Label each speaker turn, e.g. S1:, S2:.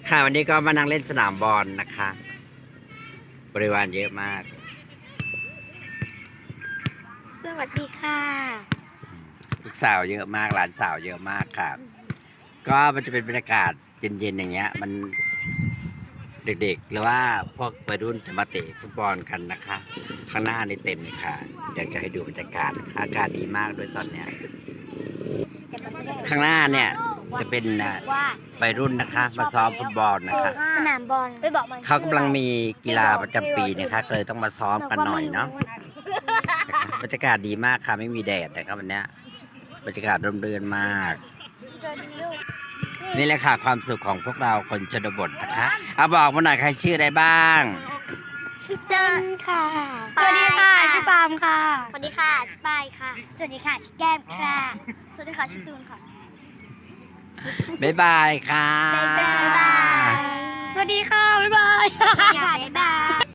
S1: ค่ะวันนี้ก็มานั่งเล่นสนามบอลนะคะ บริวารเยอะมาก
S2: สวัสดีค่ะ
S1: ลูกสาวเยอะมากหลานสาวเยอะมากค่ะ ก็มันจะเป็นบรรยากาศเย็นๆอย่างเงี้ย มันเด็กๆหรือว่าพวกวัยรุ่นจะมาเตะฟุตบอลกันนะคะ ข้างหน้านี่เต็มเลยค่ะเดี๋ยวจะให้ดูบรรยากาศอากาศดีมากด้วยตอนเนี้ย ข้างหน้าเนี่ยจะเป็นวัยรุ่นนะคะมาซ้อมฟุตบอลนะคะ
S2: สนามบอลไปบอกมัน
S1: เขากำลังมีกีฬาประจำปีนะคะก็เลยต้องมาซ้อมกันหน่อยเนาะบรรยากาศดีมากค่ะไม่มีแดดนะครับวันนี้บรรยากาศร่มรื่นมาก นี่แหละค่ะความสุขของพวกเราคนชนบทนะคะเอาบอกมาหน่อยใครชื่ออะไรบ้าง
S2: ชื่อเติ้ลค่ะสวัสดีค่ะชื่อปาล์มค่ะสวัสดีค่ะชื่อปายค่ะสวัสดีค่ะชื่อแก้มค่ะสวัสดีค่ะชื่อตูนค่ะ
S1: บ๊ายบายค่ะ
S2: บ๊ายบายสวัสดีค่ะบ๊ายบาย